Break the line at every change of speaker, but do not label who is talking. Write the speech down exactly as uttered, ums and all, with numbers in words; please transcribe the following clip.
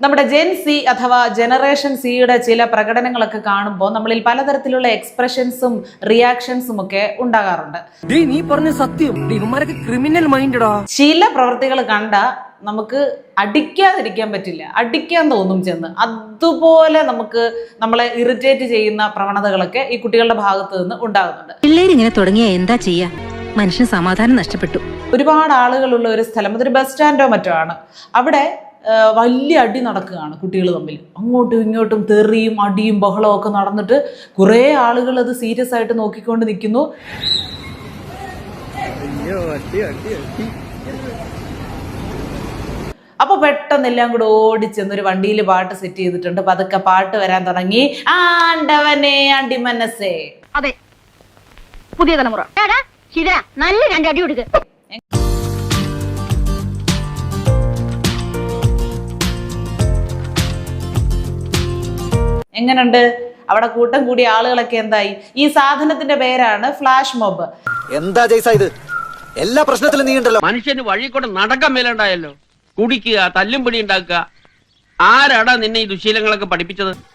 നമ്മുടെ gen C അഥവാ generation സിയുടെ ചില പ്രകടനങ്ങളൊക്കെ കാണുമ്പോൾ നമ്മളിൽ പലതരത്തിലുള്ള എക്സ്പ്രഷൻസും റിയാക്ഷൻസും ഒക്കെ ഉണ്ടാകാറുണ്ട്.
നീ പറഞ്ഞ സത്യം, ക്രിമിനൽ മൈൻഡാ.
ചില പ്രവൃത്തികൾ കണ്ട നമുക്ക് അടിക്കാതിരിക്കാൻ പറ്റില്ല, അടിക്കാൻ തോന്നും ചെന്ന്. അതുപോലെ നമുക്ക് നമ്മളെ ഇറിറ്റേറ്റ് ചെയ്യുന്ന പ്രവണതകളൊക്കെ ഈ കുട്ടികളുടെ ഭാഗത്ത് നിന്ന് ഉണ്ടാകുന്നുണ്ട്.
പിള്ളേരിങ്ങനെ തുടങ്ങിയ എന്താ ചെയ്യാ, മനുഷ്യന് സമാധാനം നഷ്ടപ്പെട്ടു.
ഒരുപാട് ആളുകളുള്ള ഒരു സ്ഥലം, അതൊരു ബസ് സ്റ്റാൻഡോ മറ്റോ ആണ്. അവിടെ വലിയ അടി നടക്കുകയാണ് കുട്ടികൾ തമ്മിൽ. അങ്ങോട്ടും ഇങ്ങോട്ടും തെറിയും അടിയും ബഹളവും ഒക്കെ നടന്നിട്ട് കുറേ ആളുകൾ അത് സീരിയസ് ആയിട്ട് നോക്കിക്കൊണ്ട് നിൽക്കുന്നു. അപ്പൊ പെട്ടെന്ന് എല്ലാം കൂടെ ഓടിച്ചെന്നൊരു വണ്ടിയിൽ പാട്ട് സെറ്റ് ചെയ്തിട്ടുണ്ട്. പതുക്കെ പാട്ട് വരാൻ തുടങ്ങി. ആണ്ടവനെ അണ്ടി മനസ്സേ.
അതെ, പുതിയ തലമുറ നല്ല രണ്ടടി കൊടുക്കുക.
എങ്ങനുണ്ട്? അവിടെ കൂട്ടം കൂടിയ ആളുകളൊക്കെ എന്തായി? ഈ സാധനത്തിന്റെ പേരാണ് ഫ്ലാഷ് മോബ്.
എന്താ ജയ്സ ഇത്? എല്ലാ പ്രശ്നത്തിലും നീ ഉണ്ടല്ലോ.
മനുഷ്യന് വഴി കൂടെ നടക്കാൻ മേലുണ്ടായല്ലോ. കുടിക്കുക, തല്ലും പിടി ഉണ്ടാക്കുക. ആരാടാ നിന്നെ ഈ ദുശീലങ്ങളൊക്കെ പഠിപ്പിച്ചത്?